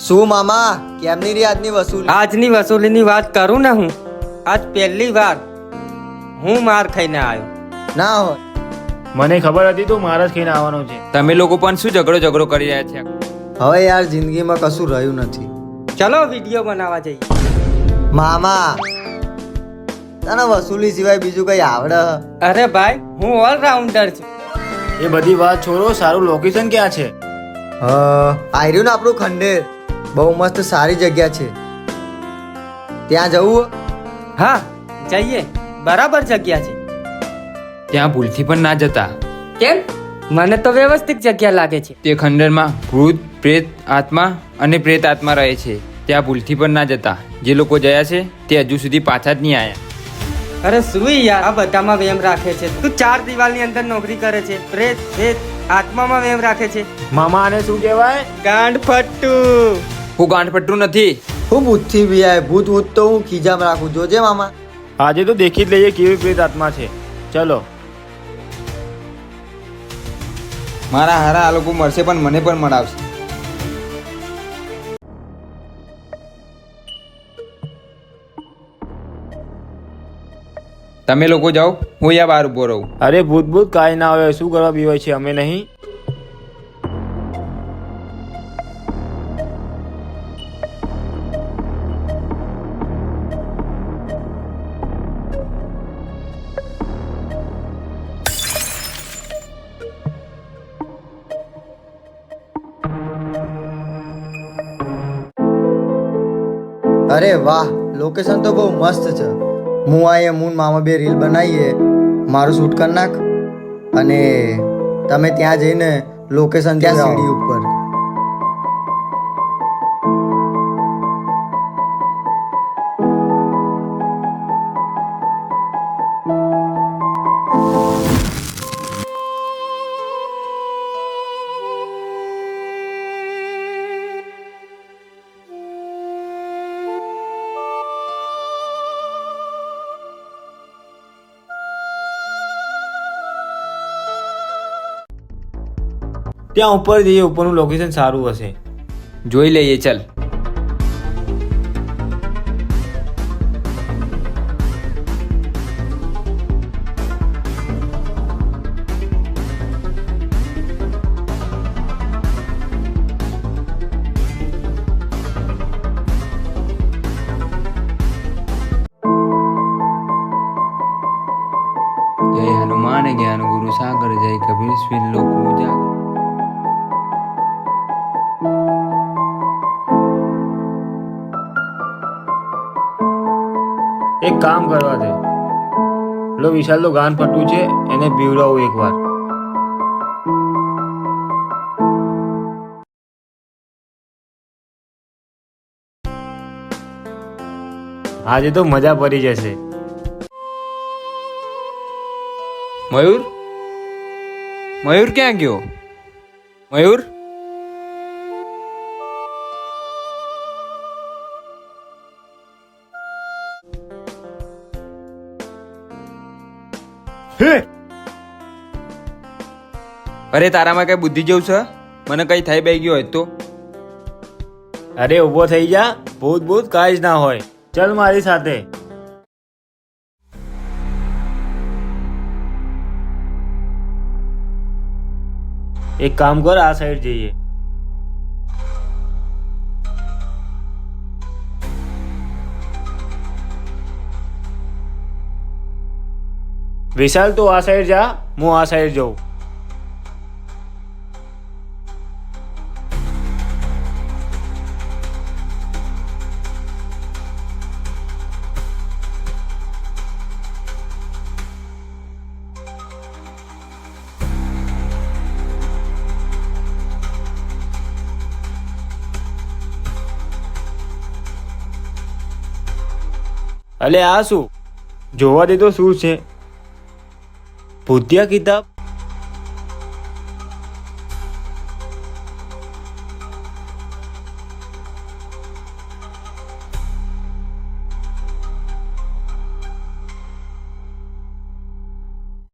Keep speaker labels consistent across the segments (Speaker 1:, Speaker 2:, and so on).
Speaker 1: શું મામા કેમની રહી આજની વસૂલી?
Speaker 2: આજની વસૂલીની વાત કરું ને હું આજ પહેલી વાર હું માર ખાઈને આવ્યો.
Speaker 1: ના હોય
Speaker 3: મને ખબર હતી તું મારા જ ખાઈને આવવાનો છે.
Speaker 4: તમે લોકો પણ શું ઝઘડો કરી રહ્યા છે?
Speaker 1: હવે યાર જિંદગીમાં કશું રહ્યું નથી.
Speaker 2: ચલો વિડીયો બનાવવા જઈએ.
Speaker 1: મામા તને વસૂલી સિવાય બીજું કઈ આવડે?
Speaker 2: અરે ભાઈ હું ઓલરાઉન્ડર છું.
Speaker 3: એ બધી વાત છોડો, સારું લોકેશન ક્યાં છે?
Speaker 1: આર્યું ને આપણું ખંડેર, બહુ મસ્ત સારી જગ્યા છે, ત્યાં જવું?
Speaker 2: હા જઈએ, બરાબર જગ્યા છે.
Speaker 4: ત્યાં ભૂલથી પણ ના જતા.
Speaker 2: કેમ? મને તો વ્યવસ્થિત જગ્યા લાગે છે.
Speaker 4: તે ખંડરમાં ભૂત પ્રેત આત્મા અને પ્રેત આત્મા રહે છે. ત્યાં ભૂલથી પણ ના જતા. જે લોકો ગયા છે તે હજુ સુધી પાછા જ નહીં આવ્યા.
Speaker 2: અરે શું યાર, આ બધામાં વેમ રાખે છે. તું 4 દિવાલની અંદર નોકરી કરે છે, પ્રેત પ્રેત આત્મામાં વેમ રાખે છે.
Speaker 3: મામા આને શું કહેવાય?
Speaker 2: ગાંડ ફટ્ટુ.
Speaker 4: હું ગાંઠપટ્ટું નથી.
Speaker 1: હું ભૂતથી બી આય, ભૂત તો હું ખીજામ રાખું, જોજે મામા.
Speaker 3: આજે તો દેખી જ લઈએ કેવી પ્રેત આત્મા છે. ચલો.
Speaker 4: મારા હારા આ લોકો મળશે પણ મને પણ મળાવશે. તમે લોકો જાઓ, હું યા બહાર ઉભો રહું.
Speaker 3: અરે ભૂત કાંઈ ના આવે, શું કરવા બીવાય છે? અમે નહીં.
Speaker 1: અરે વાહ, લોકેશન તો બહુ મસ્ત છે. હું આયે મૂન મામા બે રીલ બનાવીએ, મારું શૂટ કરી નાખ અને તમે ત્યાં જઈને લોકેશન ત્યાં સીડી ઉપર.
Speaker 3: ત્યાં ઉપર જઈએ, ઉપરનું લોકેશન સારું હશે.
Speaker 4: જોઈ લઈએ, ચાલ. જય હનુમાન જ્ઞાન ગુરુ સાગર, જય કબીર શ્રી લોક ઉજાગર.
Speaker 3: એક કામ કરવા દે, લો વિશાલ તો ગાન ફટું છે, એને બીવડાવું એકવાર. આજે તો મજા પડી જશે.
Speaker 4: મયુર ક્યાં ગયો? મયુર? અરે તારામાં કઈ બુદ્ધિ જેવું છે? મને કઈ થઈ બે ગયો હોય તો?
Speaker 3: અરે ઊભો થઈ જા, ભૂત કાંઈ જ ના હોય. ચલ મારી સાથે. એક કામ કર, આ સાઈડ જઈએ. વિશાલ તો આ સાઈડ જા, હું આ સાઈડ જાઉં. અલે આ શું? જોવા દે તો શું છે? ભૂતિયા કિતાબ.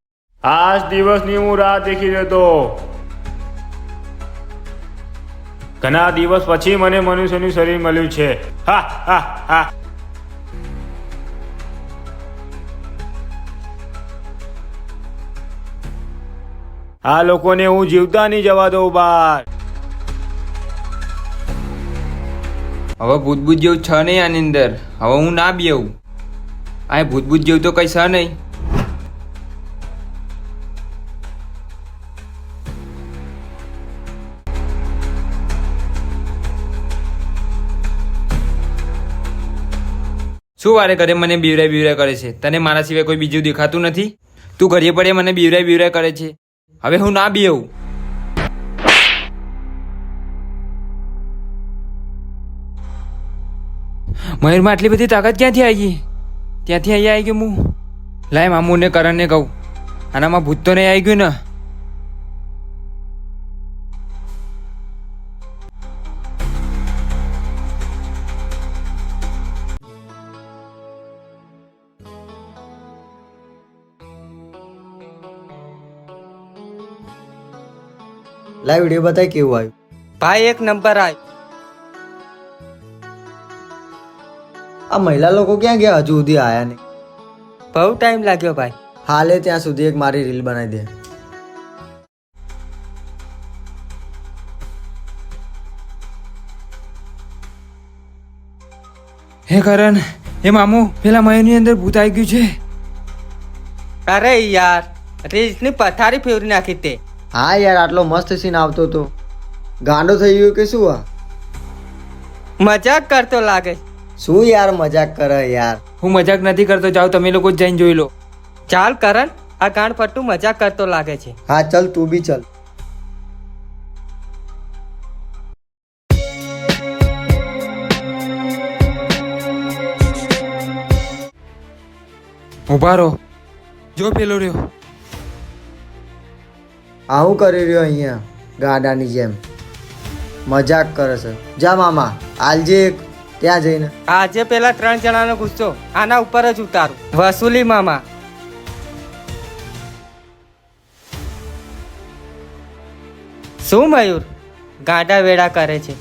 Speaker 3: આજ દિવસની હું રાહ દેખી રહેતો. ઘણા દિવસ પછી મને મનુષ્યનું શરીર મળ્યું છે. હા હા હા. આ લોકોને હું જીવતા નહીં જવા દઉં બહાર.
Speaker 4: હવે ભૂતભૂત જેવું છે નહીં આની અંદર. હવે હું ના બેવું. આ ભૂતભૂત જેવું તો કઈ છે નહીં. શું વારે ઘરે મને બીવરાય કરે છે? તને મારા સિવાય કોઈ બીજું દેખાતું નથી? તું ઘરે પડે મને બીવરાય કરે છે. હવે હું ના બેવું. મયુરમાં આટલી બધી તાકાત ક્યાંથી આવી? ત્યાંથી અહીંયા આવી ગયો હું. લાય મામુને કરણને કહું. આનામાં ભૂત તો નહીં આવી ગયું ને?
Speaker 1: લાઈવ વિડીયો બતાય કેવું આવ્યું.
Speaker 2: ભાઈ એક નંબર આવ્યો.
Speaker 1: આ મહિલા લોકો ક્યાં ગયા? હજુ સુધી આયા નહીં.
Speaker 2: બહુ ટાઈમ લાગ્યો ભાઈ.
Speaker 1: હાલે ત્યાં સુધી એક મારી રીલ બનાવી દે.
Speaker 4: હે કરણ, હે મામુ, પેલા મયુરની અંદર ભૂત આવી ગયું છે.
Speaker 2: અરે યાર, રીલ્સની પથારી ફેરવી નાખી તે.
Speaker 1: હા યાર, આટલો મસ્ત સીન આવતો હતો. ગાંડો થઈ ગયો કે શું? આ
Speaker 2: મજાક કરતો લાગે.
Speaker 1: શું યાર મજાક કરે યાર?
Speaker 4: હું મજાક નથી કરતો. જાઓ તમે લોકો જ જઈને જોઈ લો.
Speaker 2: ચાલ કરણ, આ ગાંડ પટ્ટુ મજાક કરતો લાગે છે.
Speaker 1: હા ચલ, તું બી ચલ.
Speaker 4: ઉભા રહો. જો પેલો રહ્યો.
Speaker 1: આ હું કરી રહ્યો અહીંયા ગાડાની જેમ? મજાક કરે છે. જા મામા, આલજે એક ત્યાં જઈને.
Speaker 2: આજે પેલા 3 જણાનો ગુસ્સો આના ઉપર જ ઉતારું. વસૂલી મામા. શું મયુર ગાંડા વેડા કરે છે?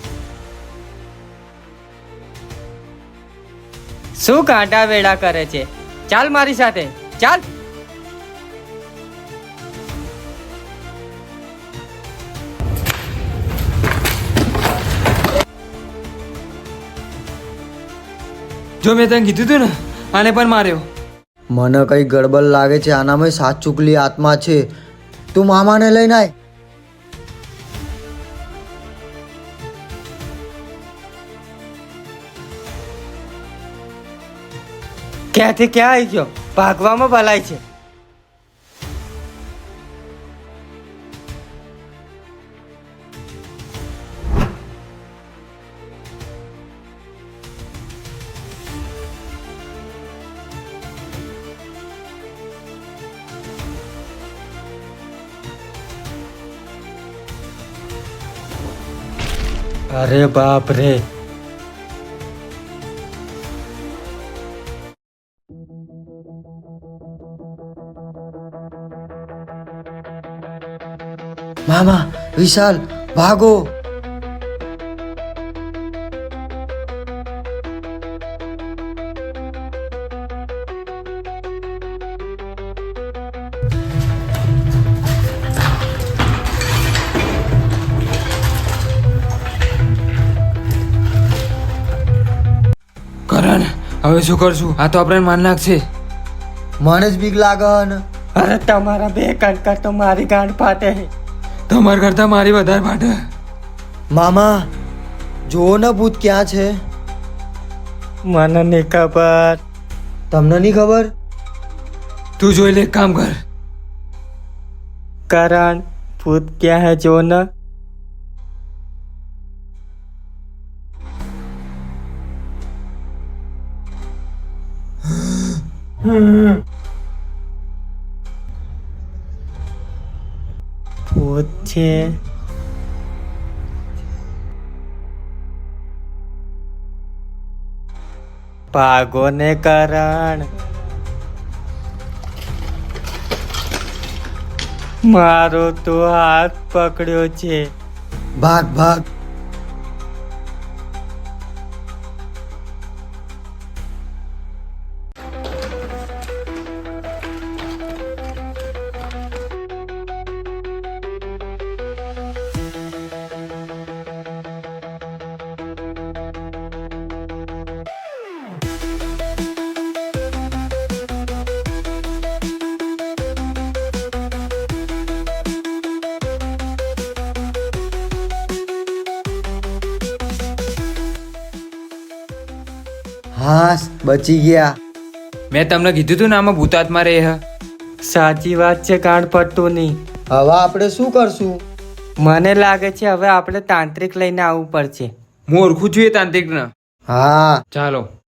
Speaker 2: શું ગાંડા વેડા કરે છે? ચાલ મારી સાથે, ચાલ.
Speaker 4: જો મેં તને કીધું તું ને, આને પણ માર્યો.
Speaker 1: મને કઈ ગડબડ લાગે છે. આનામાં સાત ચૂકલી આત્મા છે. તું મામાને લઈને આય.
Speaker 2: ક્યાંથી ક્યાં આવી ગયો? ભાગવામાં ભલાઈ છે. અરે બાપ રે.
Speaker 1: મામા, વિશાલ, ભાગો.
Speaker 4: કરણ, હવે શું કરશું? આ તો આપણે માન નાખશે.
Speaker 1: મને જ બીક લાગે ને.
Speaker 2: અરે તમારા બે કણકર તો મારી ગાંઠ ફાટે.
Speaker 4: તમારા કરતા મારી વધારે ફાટે.
Speaker 1: મામા, જુઓ ને ભૂત ક્યાં છે.
Speaker 2: મને નહીં ખબર.
Speaker 1: તમને નહીં ખબર?
Speaker 4: તું જોઈ લે, એક કામ કર.
Speaker 2: કરણ, ભૂત ક્યાં હે જો ને. ભૂત છે. ભાગો ને કરણ. મારો તો હાથ પકડ્યો છે.
Speaker 1: ભાગ ભાગ. હાસ બચી ગયા.
Speaker 4: મેં તમને કીધું તું ને આમાં ભૂતાત્મા રહે હ.
Speaker 2: સાચી વાત છે, કાંડ પડતું નહીં.
Speaker 1: હવે આપણે શું કરશું?
Speaker 2: મને લાગે છે હવે આપણે તાંત્રિક લઈને આવવું પડશે.
Speaker 4: હું ઓળખું છું એ તાંત્રિકને.
Speaker 1: હા,
Speaker 4: ચાલો.